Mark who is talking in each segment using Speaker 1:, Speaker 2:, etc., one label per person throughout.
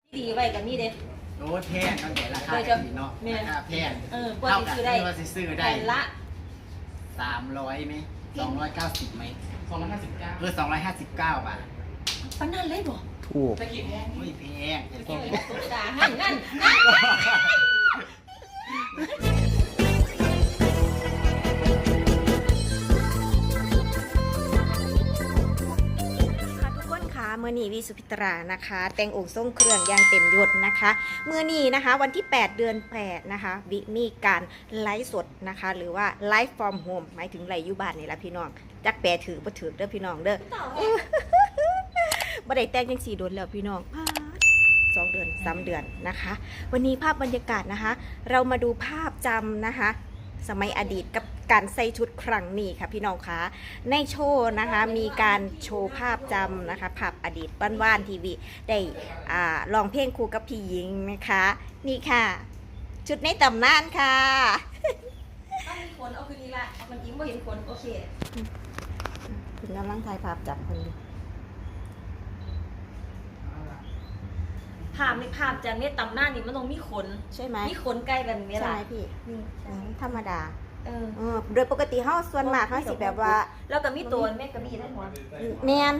Speaker 1: ดีไว้กับนี่เด้
Speaker 2: โอ้แพงตั้งแต่ราคาดีเนาะราคาแพง
Speaker 1: กว่าจะซื้อได้
Speaker 2: ได้
Speaker 1: ละ
Speaker 2: 300ไหม290ไหม
Speaker 3: 259
Speaker 2: 259 บาท
Speaker 1: ปานนั้นเลยบ่
Speaker 4: ถูก
Speaker 2: ไม่แพงแต่ก็
Speaker 1: ด่าให้งั้น
Speaker 4: เมื่อนี้วิสุพิตรานะคะแต่งองค์ทรงเครื่องอย่างเต็มยศนะคะเมื่อนี้นะคะวันที่8เดือน8นะคะวิมีการไลฟ์สดนะคะหรือว่าไลฟ์ฟอร์มโฮมหมายถึงไลฟ์อยู่บ้านนี่แหละพี่น้องจักแปรถือบ่ถือเด้อพี่น้องเด้อบ่ได้แต่งจัง4โดนแล้วพี่น้อง2 เดือน3 เดือนนะคะวันนี้ภาพบรรยากาศนะคะเรามาดูภาพจำนะคะสมัยอดีตกับการใส่ชุดครั้งนี้ค่ะพี่น้องคะในโชว์นะคะมีการโชว์ภาพจำนะคะภาพอดีตบ้านๆทีวีได้ร้องเพลงคู่กับพี่หญิงนะคะนี่ค่ะชุดในตำนานค่ะ
Speaker 1: ถ้ามีขนเอาคืนนี้ละมันยิ้มว่าเห็นขนโอเค
Speaker 4: คุณกำลังถ่ายภาพจับคน
Speaker 1: ภาพในภาพจากเนี้ยตำหน้านี่มันต้องมีขน
Speaker 4: ใช่ไหม
Speaker 1: มีขนใกล้แบบนี้แหละ
Speaker 4: ใช่พี่ธรรมดาโดยปกติเฮาส่วนมากเฮาสิแบบว่า
Speaker 1: แล้วก็มีตัวแม่กระบี่ทั้งหัว
Speaker 4: แมน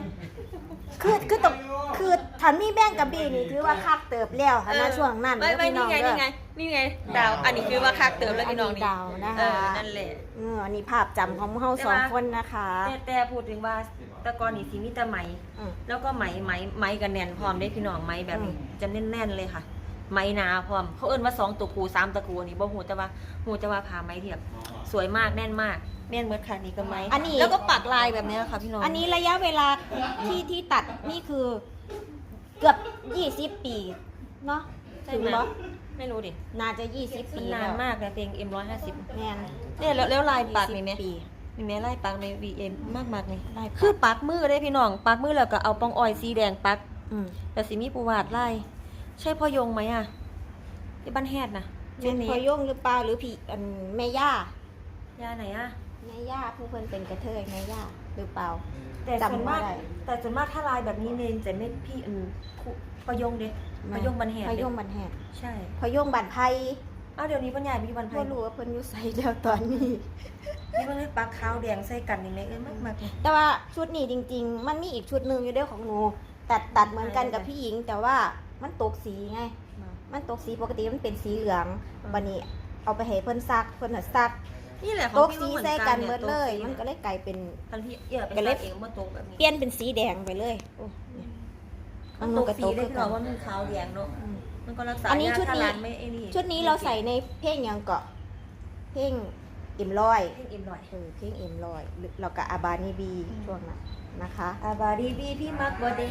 Speaker 4: คือถ้ามีแบ่งกระบี่นี่ถือว่าคักเติบแล้วค่ะนะช่วงนั้น
Speaker 1: พี่น้องนี่ไงดาวอันนี้คือว่าคักเติบแล้วพี่น้องนี่
Speaker 4: ดาวนะคะ
Speaker 1: นั่นแหละ
Speaker 4: อันนี้ภาพจำของเฮา2 คนนะคะ
Speaker 1: แต่พูดถึงว่าตะกอนนี่สิมีแต่ไหมแล้วก็ไหมกันแน่นพร้อมได้พี่น้องไหมแบบนี้จะแน่นๆเลยค่ะไหมนาพร้อมเขาเอิ้นว่า2 ตะกู3 ตะกูนี่บ่ฮู้แต่ว่าผ่าไหมเทียบสวยมากแน่นมากแน่นเหมือนค่ะนี่ก็ไหมแล้วก็ปักลายแบบนี้ค่ะพี่น้อง
Speaker 4: อันนี้ระยะเวลาที่ตัดนี่คือเกือบ20 ปีเนาะถึงบ่
Speaker 1: ไม่รู้ดิ
Speaker 4: น่าจะ20 ปี
Speaker 1: นานมากนะเพลง M150
Speaker 4: แม่น
Speaker 1: เนี่ยแล้วลายปักนี่มั้ยมีแม่ลายปักใน VM มากๆนี่คือปักมือได้พี่น้องปักมือแล้วก็เอาปองอ้อยสีแดงปักแต่สิมีปูวาดลายใช่พ่อยงไหมอ่ะที่บ้านแฮดนะ
Speaker 4: เป็นพ่อยงหรือเปล่าหรือพี่แม่ย่า
Speaker 1: ไหนอ่ะ
Speaker 4: แม่ย่าผู้เพิ่นเป็นกระเทยแม่ย่าหรือเปล่า
Speaker 1: แต่ส่วนมากถ้าลายแบบนี้เนนจะไม่พี่พ่อยงเด็กพ่อยงบันแฮด
Speaker 4: พ่อยงบันแฮด
Speaker 1: ใช่
Speaker 4: พ่อยงบันไพ
Speaker 1: เดี๋ยวนี้ปัญญามีบันไพ
Speaker 4: บ่รู้ว่าเพิ่นอยู่ไสแล้วตอนนี้
Speaker 1: นี่มันปักขาวแดงใส่กันนี่แม่มาก
Speaker 4: แต่ว่าชุดนี้จริงๆมันมีอีกชุดนึงอยู่เด้อของหนูตัดเหมือนกันกับพี่หญิงแต่ว่ามันตกสีไงมันตกสีปกติมันเป็นสีเหลืองบัดนี้เอาไปให้เพิ่นซักเพิ่นน่ะซัก
Speaker 1: นี่แหละ
Speaker 4: ตกสีใส่กันหมดเลยมันก็เลยกลายเป็น
Speaker 1: ทันพี่ก็เลยเองบ่ตกแบบนี้
Speaker 4: เปลี่ยนเป็นสีแดงไปเลย
Speaker 1: มันตกสีได้ก็ว่ามันขาวแดงเนาะมันก็รักษาอันนี้
Speaker 4: ชุดนี้เราใส่ในเพลงยังเกาะเพลงเอ็มลอย
Speaker 1: เพลงเอ็มลอย
Speaker 4: เพลงเอ็มลอยเรากับอาบานีบีช่วงนั้นนะคะ
Speaker 1: อาบาดีบีพี่มักบอเด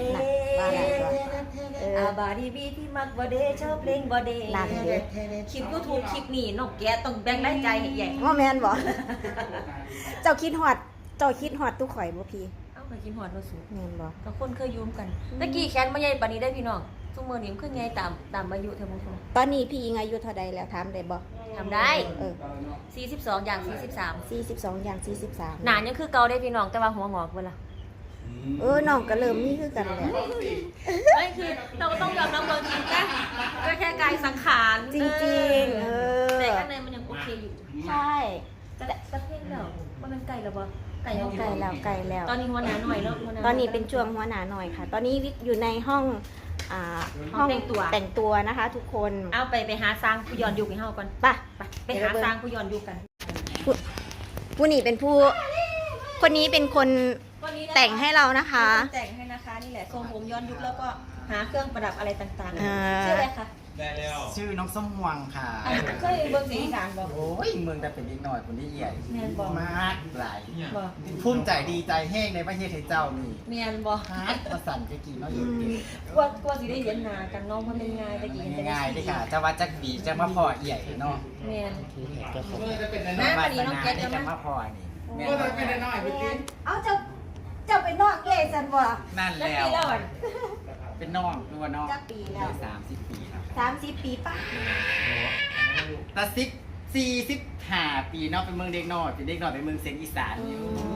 Speaker 1: อาบาดีบีพี่มักบอเดชอบเพลงบอเด
Speaker 4: นั่นเลย
Speaker 1: คลิปยูทูบคลิปนี้นกแกต้องแบ่งได้ใจใหญ่
Speaker 4: ว่าแมนบอกเจ้าคิดฮอดตู้ข่อยบ่พี่
Speaker 1: ไปกินหอดมาสูง
Speaker 4: แมนบอก
Speaker 1: กับคนเคยยุ่มกันตะกี้แขนมาใหญ่ปานนี้ได้พี่น้องซุมื้อนี้มันขึ้นใหญ่ตามอายุเท่ามั้ง
Speaker 4: ตอนนี้พี่ยิงอายุเท่าใดแล้วถามได้บ่
Speaker 1: ทำได้42อย่าง
Speaker 4: 42อย่าง43
Speaker 1: หนายังคือเก่าได้พี่น้องแต่ว่าหัวงอกเวลา
Speaker 4: น้องก็เริ่มมีคือกันแหละ
Speaker 1: ไม่คือเราก็ต้องยอมรับความจริงนะก็แค่กายสังขาร
Speaker 4: จริงๆ
Speaker 1: แต่ข้างในมันยังโอเคอยู่
Speaker 4: ใช่
Speaker 1: แต่เพลงแล้วมันเป็นไก่หรอบ่
Speaker 4: ไก่แล้ว
Speaker 1: ตอนนี้หัวหนาหน่อยแล้ว
Speaker 4: ตอนนี้เป็นช่วงหัวหนาหน่อยค่ะตอนนี้วิกอยู่ในห้องแต่งตัวนะคะทุกคน
Speaker 1: เอาไปหาสร้างผู้ย้อนยุคให้เฮาก่อนไปหาสร้างผู้ย้อนยุคกัน
Speaker 4: ผู้นี้เป็นผู้คนนี้เป็นคนแต่งให้เรานะคะ
Speaker 1: แต่งให้นะคะนี่แหละทรงผมย้อนยุคแล้วก็หาเครื่องประดับอะไรต่างๆชื่ออะไรคะ
Speaker 2: ชื่อน้องส้มหวังค่ะ
Speaker 1: เคยเบิ่งสีอีสานบ่
Speaker 2: โอ้ยเมืองแต่เป็นนิดหน่อยคนที่ใหญ่มากหลาย
Speaker 1: บ่
Speaker 2: ภูมิใจดีใจแห้งในประเทศไทยเจ้านี่
Speaker 1: เมียนบ่
Speaker 2: ฮักประสันจะกี่เนาะอยู่
Speaker 1: กว่าสิได้เห็นหน้ากันน้องมันเป็นง่ายตะกี้
Speaker 2: ง่ายเลยค่ะจะว่าจักบีจะมาพอใหญ่เนาะ
Speaker 1: เมียน
Speaker 2: น้าวันนี้น้องแก๊สจะมาพอนี่
Speaker 3: เมียนเป็นน้อยพี่ติ๊ก
Speaker 4: เอาเจ้าเป็นนอกเกสันบ่
Speaker 2: นั่นแล้วเป็นน้องตัวน้อง
Speaker 4: ปีแล้ว
Speaker 2: 30 ปีครับ
Speaker 4: 30 ปีป่ะ
Speaker 2: ตา45 ปีเนาะเป็นเมืองเด็กน้อยเป็นเด็กน้อยเป็นเมืองเสียงอีสานอยู่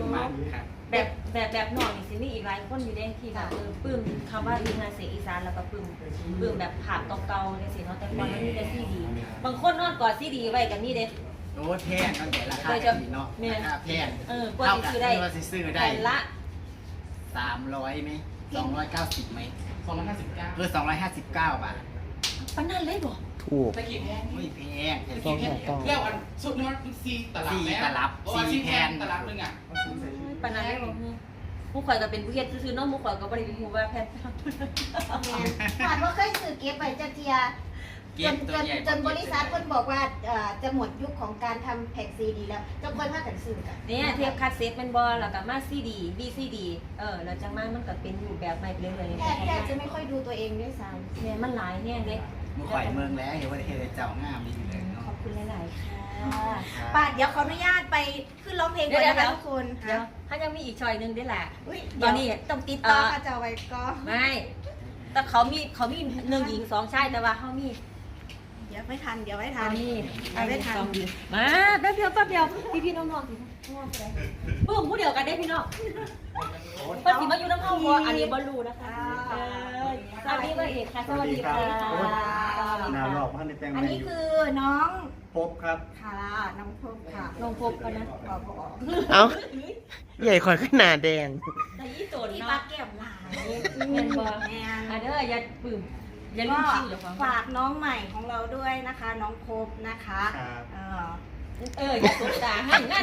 Speaker 2: มันครับ
Speaker 1: แบบน้องนี่สิมีอีกหลายคนอยู่เด้ที่แบบปลื้มคำว่าทีมงานเสียงอีสานแล้วก็ปลื้มแบบภาพเก่าๆจังซี่เนาะแต่ก่อนมันมีแต่ซีดีบางคนนอนกอดซีดีไว้กันนี่เด้
Speaker 2: โอ้แพงนั่นแต่ราคาดีเนาะราคาแพง
Speaker 1: กว่าสิซื้อได้
Speaker 2: ว่าสิซื้อได้
Speaker 1: แผ่นละ
Speaker 2: 300ไหม290ไหม
Speaker 3: 259
Speaker 2: คือ259 บาท
Speaker 1: ปานนั้นเลยบ่
Speaker 5: ถูก
Speaker 3: ตะกี้แพง
Speaker 2: ไม่แพง
Speaker 3: ตะกี้แพงแล้วอันสุดนี้มันซีตลับซีแพงตลับนึงอ่ะ
Speaker 1: ปานนั้นเลยบ่หมู่ข่อยก็เป็นผู้เฮ็ดซื่อๆเนาะหมู่ข่อยก็บ่ได้ฮู้ว่าแผ่น
Speaker 4: ผ่านว่าเคยซื้อเก็บไว้จะเทียจนบริษัทเพิ่นบอกว่าจะหมดยุคของการทำแผ่นซีดีแล้วจะค่อยพากันซื้อกัน
Speaker 1: เนี่ยเทปคาสเซ็ตเป็นบ่แล้วก็มาซีดี VCD แล้วจังมามันก็เป็นรูปแบบใหม่ไปเรื่อยๆ
Speaker 4: แทบจะไม่ค่อยดูตัวเองด้วยซ้ำ
Speaker 1: เนี่ยมันหลายแฮงเด้
Speaker 2: มือข่อยเมืองแล้วเห็นว่าเฮ็ดเจ้างามดีอยู่เลย
Speaker 1: ข
Speaker 2: เนาะ
Speaker 1: อบคุณหลายๆค่ะ
Speaker 4: ป้าเดี๋ยวขออนุญาตไปขึ้นร้องเพลงก่อนนะคะทุกคน
Speaker 1: เดี๋ยวถ้ายังมีอีกชอยหนึงด้วยแหละ
Speaker 4: อุ๊ย
Speaker 1: ตอนนี้
Speaker 4: ต้องติดต่อค่ะจะเอาไว้ก็
Speaker 1: ไม่แต่เขามีหนึ่งหญิง2ชายแต่ว่าเขามี
Speaker 4: เดี๋ยวไม่ทันเดี๋ยวไม่ทั
Speaker 1: อั
Speaker 4: น
Speaker 1: นนี้
Speaker 4: ไม่ทัน
Speaker 1: 2หญิงมาแป๊บเดียวพี่น้องๆสิปึ้มผู้เดียวกันได้พี่น้องเพิ่นสิมาอยู่น้ำเฮาบ่อันนี้บ่รู้นะคะสวัสดีพ่อเอกค่ะสวัสดีค่ะ
Speaker 5: หนาวหลอกพันในแปลง
Speaker 4: อัน
Speaker 5: แมน
Speaker 4: นี้
Speaker 5: อยู่
Speaker 4: คือน้อง
Speaker 5: พบครับ
Speaker 4: ค่ะน้องพบค่ะ
Speaker 1: ลงพบกันนะ
Speaker 4: ขอบอก
Speaker 6: เอ้า ใหญ่คอยขึ้นหนาแดง
Speaker 1: แต่ยี่โตน
Speaker 4: ที่
Speaker 1: เนาะ
Speaker 4: ปลาแก้มหลาย
Speaker 1: แม่นบ่
Speaker 4: แม่น
Speaker 1: อ่ะเด้ออย่าปึ้มอย่าลื
Speaker 4: ก็
Speaker 1: มชื่อเจ้าของ
Speaker 4: ฝากน้องใหม่ของเราด้วยนะคะ น้องพบนะคะ
Speaker 5: ครับ
Speaker 1: อย่าสบตาให้นั่น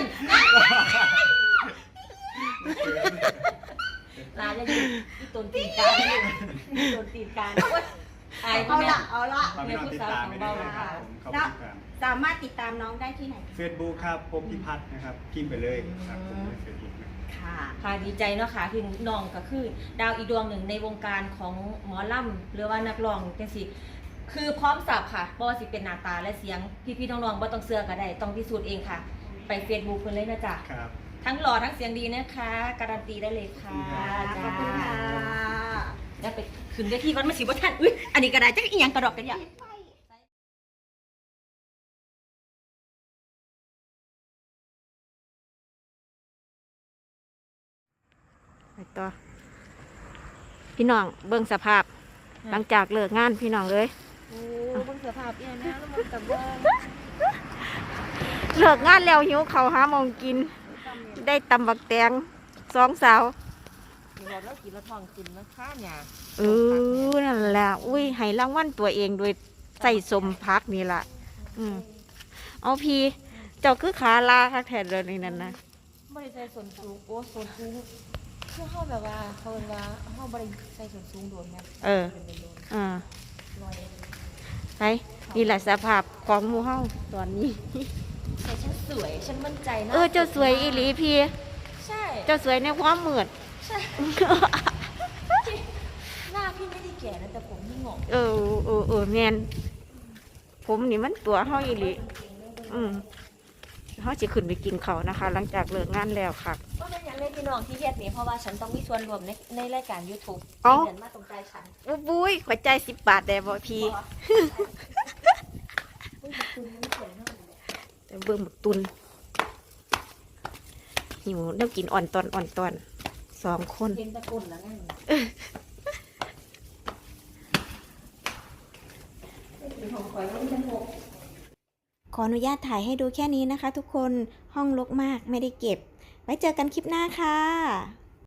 Speaker 1: ลาจะอยู่ที่ต้นตีนการอยู่ที่ต้นตีนการโอ๊ยอายพ่อ
Speaker 4: เอา
Speaker 1: แม่
Speaker 4: ละเอาละ
Speaker 5: ฝากพี่น้องติดตามไปด้วยนะครับผมขอบ
Speaker 4: แล้ว
Speaker 5: คุณครับ
Speaker 4: สามารถติดตามน้องได้ที่ไหน
Speaker 5: เฟซบุ๊กครับพบพิพัฒน์นะครับพิมพ์ไปเลยครับผมในเฟซบุ๊กนะ
Speaker 4: ค่ะ
Speaker 1: ค่ะดีใจเนาะค่ะคือน้องก็คือ ดาวอีกดวงหนึ่งในวงการของหมอลำหรือว่านักร้องจังซี่คือพร้อมสับค่ะบ่ว่าสิเป็นหน้าตาและเสียงพี่ๆน้องๆบ่ต้องเชื่อก็ได้ต้องพิสูจน์เองค่ะ ไป Facebook เพิ่นเลยนะจ๊ะ
Speaker 5: ครับ
Speaker 1: ทั้งหล่อทั้งเสียงดีนะคะ การันตีได้เลยค่ะ
Speaker 4: ขอบคุณค่ะ
Speaker 1: แล้วไปขึ้นได้ที่วัดมาสิบ่ทันอุ้ยอันนี้ก็ได้จักอีหยังกระดอกกันอย่า
Speaker 4: ไปต่อพี่น้องเบิ่งสภาพ หลังจากเลิกงานพี่น้องเลย
Speaker 1: โอ้เบิ่งสภาพเนี่ยนะแล้วมันกับว่า
Speaker 4: เลิกงานแล้วหิวเขาวหาหมองกิน ได้ตำบักแตงสองสาว
Speaker 1: เดี๋ยวเรากินแล้วท้องกินนะคะเนี่ย
Speaker 4: นั่นแหละอุ้ยให้รางวัลตัวเองโดยใส่สมพักนี่ล่ะเอาพี่เจ้าคือขาลาคักแทนเลยนี่นั่นนะ
Speaker 1: บ่ได้ใส่ส่วนสูงโอ้ส่วนสูงคือเฮาแบบว่าเขาเอิ้นว่าเฮาบ่ได้ใส่ส่วนสูงโดนนะ
Speaker 4: ไปนี่แหละสภาพของหมู่เฮาตอนนี้
Speaker 1: แต่ฉันสวยฉันมั่นใจนะ
Speaker 4: เจ้าสวยอีหลีพี่
Speaker 1: ใช่
Speaker 4: เจ้าสวยในความมืด
Speaker 1: ใช่ หน้าพี่ไม่ได้แก่นะแต่ผมนี่งอก
Speaker 4: แมนผมนี่มันตัวเฮาอีหลีเฮาจะขึ้นไปกินเขาวนะคะ หลังจากเลิกงานแล้วค่ะ
Speaker 1: ก็เป็นอย่างเล่นพี่น้องที่เฮ็ดนี่เพราะว่าฉันต้องมีส่วนรวมในรายการ YouTube
Speaker 4: เอ้า
Speaker 1: เดือนมาตรงใจฉัน
Speaker 4: บุ้ยขวัญใจ10 บาทได้บ่พี่ แต่เบิ่งบักตุนหิวน้ำกินอ่อนตอน2 คน
Speaker 1: เห็นตะกุนแล้วไงของข่อยว่าฉันหก
Speaker 4: ขออนุญาตถ่ายให้ดูแค่นี้นะคะทุกคนห้องรกมากไม่ได้เก็บ ไว้เจอกันคลิปหน้าค่ะ